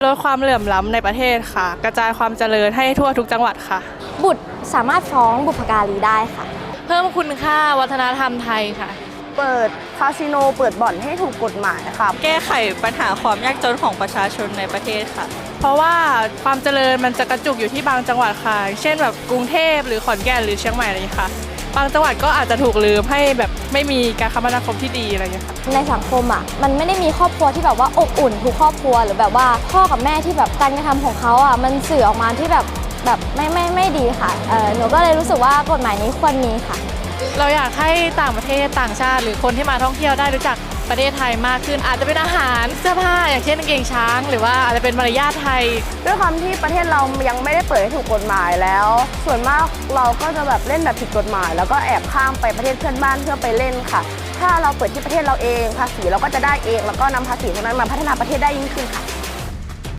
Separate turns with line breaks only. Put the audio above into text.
ลดความเหลื่อมล้ำในประเทศค่ะกระจายความเจริญให้ทั่วทุกจังหวัดค่ะ
บุตรสามารถฟ้องบุพการีได้ค่ะ
เพิ่มคุณค่าวัฒนธรรมไทยค่ะ
เปิดคาสิโนเปิดบ่อนให้ถูกกฎหมายค่ะ
แก้ไขปัญหาความยากจนของประชาชนในประเทศค่ะ
เพราะว่าความเจริญมันจะกระจุกอยู่ที่บางจังหวัดค่ะเช่นแบบกรุงเทพหรือขอนแก่นหรือเชียงใหม่อะไรอย่างนี้ค่ะบางจังหวัดก็อาจจะถูกลืมให้แบบไม่มีการคมนาคมที่ดีอะไรอย่างนี้ค่ะ
ในสังคมมันไม่ได้มีครอบครัวที่แบบว่าอบอุ่นทุกครอบครัวหรือแบบว่าพ่อกับแม่ที่แบบการกระทำของเขามันสื่อออกมาที่แบบไม่ดีค่ะหนูก็เลยรู้สึกว่ากฎหมายนี้ควรมีค่ะ
เราอยากให้ต่างประเทศต่างชาติหรือคนที่มาท่องเที่ยวได้รู้จักประเทศไทยมากขึ้นอาจจะเป็นอาหารเสื้อผ้าอย่างเช่นกางเกงช้างหรือว่าอาจจะเป็นมารยาทไทย
ด้วยความที่ประเทศเรายังไม่ได้เปิดให้ถูกกฎหมายแล้ว ส่วนมากเราก็จะแบบเล่นแบบผิดกฎหมายแล้วก็แอบข้ามไปประเทศเพื่อนบ้านเพื่อไปเล่นค่ะถ้าเราเปิดที่ประเทศเราเองภาษีเราก็จะได้เองแล้วก็นำภาษีตรงนั้นมาพัฒนาประเทศได้ยิ่งขึ้นค่ะ